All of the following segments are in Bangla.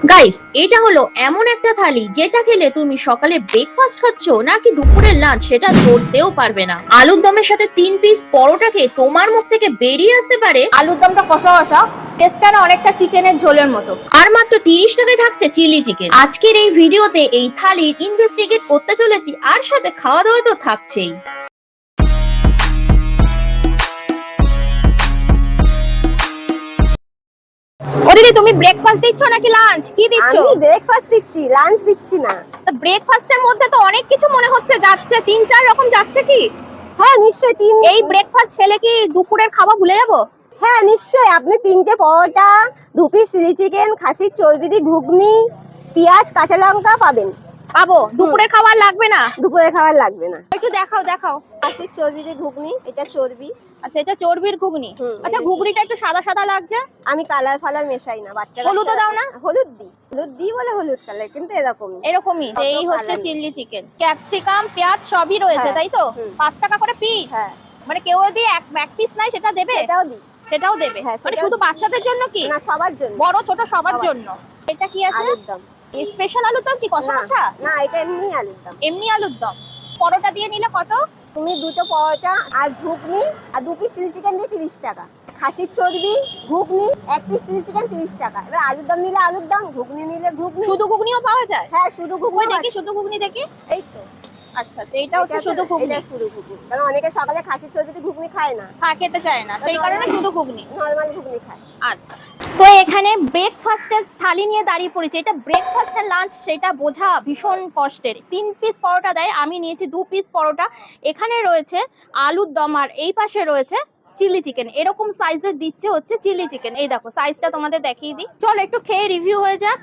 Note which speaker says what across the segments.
Speaker 1: গাইস, এটা হলো এমন একটা থালি যেটা খেলে তুমি সকালে ব্রেকফাস্ট খাচ্ছ নাকি দুপুরের লাঞ্চ সেটা ধরতেও পারবে না। আলুর দমের সাথে 3 পিস পরোটা খেয়ে তোমার মুখ থেকে বেরিয়ে আসতে পারে
Speaker 2: আলুর দমটা কষা কষা, টেস্টটা না অনেকটা চিকেনের ঝোলের মতো।
Speaker 1: আর মাত্র 30 টাকায় থাকছে চিলি চিকেন। আজকের এই ভিডিওতে এই থালির ইনভেস্টিগেট করতে চলেছি, আর সাথে খাওয়া দাওয়া তো থাকছেই।
Speaker 2: ও দিদি, তুমি ব্রেকফাস্ট দিচ্ছ নাকি লাঞ্চ, কি দিচ্ছ?
Speaker 3: আমি ব্রেকফাস্ট দিচ্ছি, লাঞ্চ দিচ্ছি না।
Speaker 2: ব্রেকফাস্টের মধ্যে তো অনেক কিছু মনে হচ্ছে যাচ্ছে, 3-4 রকম যাচ্ছে কি?
Speaker 3: হ্যাঁ নিশ্চয়ই
Speaker 2: এই ব্রেকফাস্ট খেলে কি দুপুরের খাওয়া ভুলে যাবো?
Speaker 3: হ্যাঁ নিশ্চয়ই, আপনি 3টে পরোটা, 2 পিস চিলি চিকেন, খাসির চর্বি দিয়ে ঘুগনি, পেঁয়াজ কাঁচা লঙ্কা পাবেন।
Speaker 2: পাবো? দুপুরের খাবার লাগবে না?
Speaker 3: দুপুরে খাবার লাগবে না।
Speaker 2: একটু দেখাও দেখাও।
Speaker 3: খাসির চর্বি দিয়ে ঘুগনি, এটা চর্বি।
Speaker 2: আচ্ছা, এটা চর্বির ঘুগনি। আচ্ছা, ঘুগনিটা একটু সাদা সাদা লাগছে।
Speaker 3: আমি কালার ফালার মেশাই না, বাচ্চারা
Speaker 2: হলুদও দাও না?
Speaker 3: হলুদ দিই বলে হলুদ কালার, কিন্তু
Speaker 2: এরকমই যে এই হচ্ছে
Speaker 3: কালার
Speaker 2: চিলি চিকেন, ক্যাপসিকাম, পেঁয়াজ সবই রয়েছে,
Speaker 3: হ্যাঁ,
Speaker 2: তাই তো?
Speaker 3: হুম।
Speaker 2: 5 টাকা করে পিস।
Speaker 3: হ্যাঁ
Speaker 2: মানে কেউ যদি এক পিস নাই সেটা দেবে?
Speaker 3: এটাও দিই।
Speaker 2: সেটাও দেবে?
Speaker 3: হ্যাঁ,
Speaker 2: মানে
Speaker 3: সেটাও
Speaker 2: শুধু
Speaker 3: দিই।
Speaker 2: বাচ্চাদের জন্য কি?
Speaker 3: না, সবার জন্য,
Speaker 2: বড় ছোট সবার
Speaker 3: সবার।
Speaker 2: জন্য। এটা কি আছে?
Speaker 3: আলুর দম।
Speaker 2: স্পেশাল আলুর দম কি কষা
Speaker 3: না
Speaker 2: কষা?
Speaker 3: না, এটা এমনি আলুর দম।
Speaker 2: এমনি আলুর দম। পরোটা দিয়ে নিলে কত?
Speaker 3: তুমি 2টো পরোটা আর ঘুগনি আর 2 পিস চিলি চিকেন দিয়ে 30 টাকা। খাসির চর্বি, ঘুগনি, 1 পিস চিলি চিকেন 30 টাকা। এবার আলুর দম নিলে আলুর দম, ঘুগনি নিলে ঘুগনি।
Speaker 2: শুধু ঘুগনিও পাওয়া যায়?
Speaker 3: হ্যাঁ, শুধু ঘুগনি।
Speaker 2: ওই দেখি শুধু ঘুগনি দেখি।
Speaker 3: এই তো
Speaker 2: আচ্ছা আচ্ছা, এটা হচ্ছে শুধু ঘুগনি।
Speaker 3: এটা শুধু ঘুগনি, কারণ অনেকে সকালে খাসির চর্বিতে ঘুগনি খায় না,
Speaker 2: হ্যাঁ, খেতে চায় না, সেই কারণে শুধু ঘুগনি।
Speaker 3: নরমাল ঘুগনি খায়।
Speaker 2: আচ্ছা, তো এখানে ব্রেকফাস্টের থালি নিয়ে দাঁড়িয়ে পড়েছে। এটা ব্রেকফাস্ট আর লাঞ্চ সেটা বোঝা ভীষণ কষ্টের। 3 পিস পরোটা দেয়, আমি নিয়েছি 2 পিস পরোটা। এখানে রয়েছে আলুর দম আর এই পাশে রয়েছে চিলি চিকেন। এরকম সাইজের দিচ্ছে হচ্ছে চিলি চিকেন। এই দেখো সাইজটা তোমাদের দেখিয়ে দিই। চলো একটু খেয়ে রিভিউ হয়ে যাক।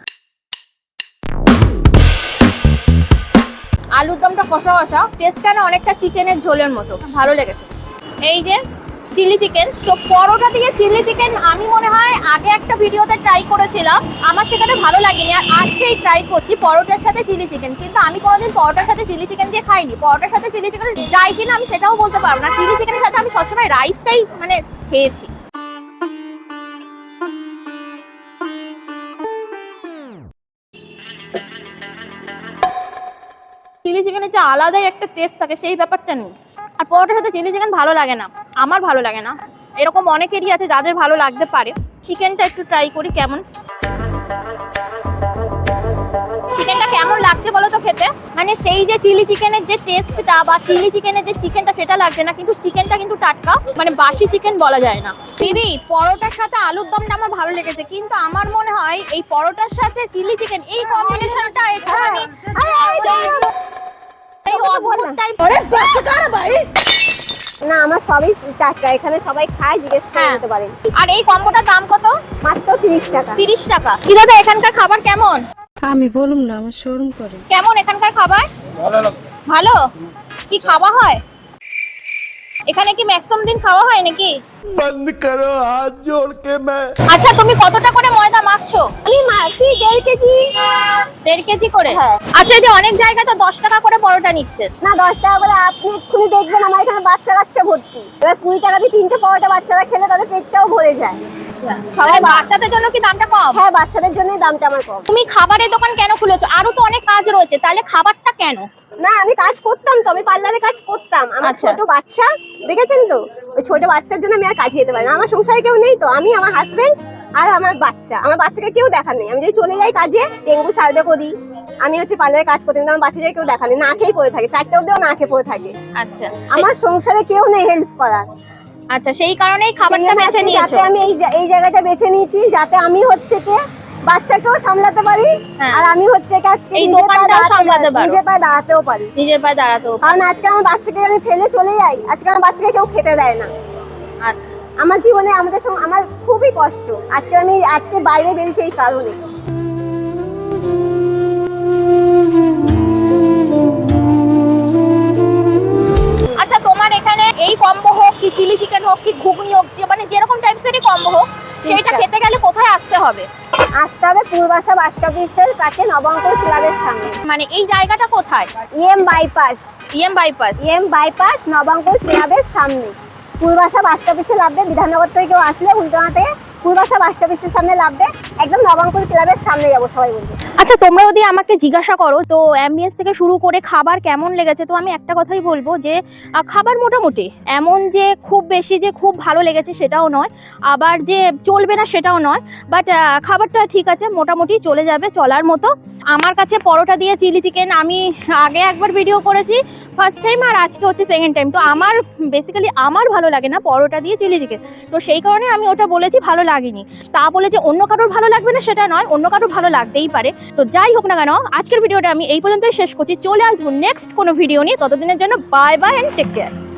Speaker 2: আলুর দমটা কষা কষা, টেস্টটা না অনেকটা চিকেনের ঝোলের মতো, ভালো লেগেছে। এই যে চিলি চিকেন, তো পরোটা দিয়ে চিলি চিকেন আমি মনে হয় আগে একটা ভিডিওতে ট্রাই করেছিলাম, আমার সেখানে ভালো লাগেনি। আর আজকেই ট্রাই করছি পরোটার সাথে চিলি চিকেন, কিন্তু আমি কোনোদিন পরোটার সাথে চিলি চিকেন দিয়ে খাইনি। পরোটার সাথে চিলি চিকেন যায় কিনা আমি সেটাও বলতে পারবো না। চিলি চিকেনের সাথে আমি সবসময় রাইসটাই মানে খেয়েছি। চিলি চিকেনের যে আলাদাই একটা টেস্ট থাকে সেই ব্যাপারটা নেই। আর পরোটার সাথে চিলি চিকেন ভালো লাগে না, আমার ভালো লাগে না। এরকম অনেকেরই আছে যাদের ভালো লাগতে পারে। চিকেনটা একটু ট্রাই করি কেমন। চিকেনটা কেমন লাগছে বলো তো খেতে? মানে সেই যে চিলি চিকেনের যে টেস্টটা বা চিলি চিকেনের যে চিকেনটা সেটা লাগছে না, কিন্তু চিকেনটা কিন্তু টাটকা, মানে বাসি চিকেন বলা যায় না। দিদি, পরোটার সাথে আলুর দমটা আমার ভালো লেগেছে, কিন্তু আমার মনে হয় এই পরোটার সাথে চিলি চিকেন এই কম্বিনেশনটা একটুখানি এই অদ্ভুত টাইপ।
Speaker 3: না, আমার সবই টাটকা, এখানে সবাই খায়, জিজ্ঞেস করে
Speaker 2: হ্যাঁ।
Speaker 3: নিতে পারেন।
Speaker 2: আর এই কম্বোটার দাম কত?
Speaker 3: মাত্র 30 টাকা।
Speaker 2: 30 টাকা। কি দাদা, এখানকার খাবার কেমন?
Speaker 4: আমি বলুম না, আমার শোরুম করে।
Speaker 2: কেমন এখানকার খাবার? ভালো। কি খাওয়া হয় এখানে? কি ম্যাক্সিমাম দিন খাওয়া হয় নাকি?
Speaker 5: बंद करो हाथ जोड़ के मैं।
Speaker 2: আচ্ছা, তুমি কতটা করে ময়দা মাখছো?
Speaker 3: আমি মাছি 1.5 কেজি।
Speaker 2: 1.5 কেজি করে?
Speaker 3: হ্যাঁ।
Speaker 2: আচ্ছা, এই যে অনেক জায়গায় তো 10 টাকা করে পরোটা নিচ্ছে।
Speaker 3: না, 10 টাকা করে আপনি এক্ষুনি দেখবেন আমার এখানে বাচ্চা কাচ্চা ভর্তি। এবার 20 টাকা দিয়ে 3টে পরোটা বাচ্চারা খেলে তাদের পেটটাও ভরে যায়।
Speaker 2: আচ্ছা,
Speaker 3: সবাই
Speaker 2: বাচ্চাদের জন্য কি দামটা কম?
Speaker 3: হ্যাঁ, বাচ্চাদের জন্যই দামটা আমার কম।
Speaker 2: তুমি খাবারের দোকান কেন খুলেছো? আরো তো অনেক কাজ রয়েছে, তাহলে খাবারটা কেন?
Speaker 3: না, আমি কাজ করতাম তো, আমি পার্লারে কাজ করতাম। আমার
Speaker 2: আচ্ছা।
Speaker 3: ছোট বাচ্চা, দেখেছেন তো, ওই ছোট বাচ্চার জন্য আমি আর কাজে যেতে পারি না। আমার সংসারে কেউ নেই তো, আমি, আমার হাজবেন্ড আর আমার বাচ্চা। আমার বাচ্চাকে কেউ দেখা নেই। আমি যদি চলে যাই কাজে, ডেঙ্গু সার্ভে করি, আমি হচ্ছে পার্লারে কাজ করতে, কিন্তু আমার বাচ্চাকে কেউ দেখা নেই, না খেয়ে পড়ে থাকে, 4টে অবধিও না খেয়ে পড়ে থাকে।
Speaker 2: আচ্ছা,
Speaker 3: আমার সংসারে কেউ নেই হেল্প করার।
Speaker 2: আচ্ছা, সেই কারণেই খাবারটা বেছে নিয়েছো।
Speaker 3: যাতে আমি এই জায়গাটা বেছে নিয়েছি, যাতে আমি হচ্ছে কে বাচ্চাকেও সামলাতে পারি,
Speaker 2: হ্যাঁ।
Speaker 3: আর আমি হচ্ছে আজকে
Speaker 2: এই
Speaker 3: নিজের পায়ে
Speaker 2: দোকানটাও সামলাতে পারো।
Speaker 3: নিজের পায়ে দাঁড়াতেও পারি।
Speaker 2: নিজের পায়ে দাঁড়াতেও।
Speaker 3: কারণ আজকে আমার বাচ্চাকে আমি ফেলে চলে যাই, আজকে আমার বাচ্চাকে কেউ খেতে দেয় না।
Speaker 2: আচ্ছা,
Speaker 3: আমার জীবনে আমাদের সঙ্গে আমার খুবই কষ্ট। আজকে বাইরে বেরিয়েছি এই কারণে।
Speaker 2: আচ্ছা, তোমার এখানে এই কম্বো হোক কি চিলি চিকেন হোক কি ঘুগনি হোক, মানে যেরকম টাইপসেরই কম্বো হোক, সেটা খেতে গেলে কোথায় আসতে হবে?
Speaker 3: আসতে হবে পূর্বাশা বাস অফিসের কাছে, নবঙ্কর ক্লাবের সামনে।
Speaker 2: মানে এই জায়গাটা কোথায়?
Speaker 3: EM bypass.
Speaker 2: EM bypass.
Speaker 3: নবঙ্কর ক্লাবের সামনে পূর্বাশা বাস অফিসে নামবে। বিধাননগর থেকে কেউ আসলে উল্টোনা থেকে পূর্বাশা বাস অফিসের সামনে নামবে। একদম নবাঙ্কুর ক্লাবের সামনে যাবো সবাই বলবে।
Speaker 2: আচ্ছা, তোমরা যদি আমাকে জিজ্ঞাসা করো তো অ্যাম্বিয়েন্স থেকে শুরু করে খাবার কেমন লেগেছে, তো আমি একটা কথাই বলবো যে খাবার মোটামুটি, এমন যে খুব বেশি যে খুব ভালো লেগেছে সেটাও নয়, আবার যে চলবে না সেটাও নয়, বাট খাবারটা ঠিক আছে, মোটামুটি চলে যাবে, চলার মতো। আমার কাছে পরোটা দিয়ে চিলি চিকেন, আমি আগে একবার ভিডিও করেছি ফার্স্ট টাইম, আর আজকে হচ্ছে সেকেন্ড টাইম। তো আমার বেসিক্যালি আমার ভালো লাগে না পরোটা দিয়ে চিলি চিকেন, তো সেই কারণে আমি ওটা বলেছি ভালো লাগেনি। তা বলে যে অন্য কারোর ভালো লাগবে না সেটা নয়, অন্য কারোর ভালো লাগতেই পারে। তো যাই হোক না কেন, আজকের ভিডিওটা আমি এই পর্যন্তই শেষ করছি। চলে আসবো নেক্সট কোনো ভিডিও নিয়ে, ততদিনের জন্য bye bye and take care.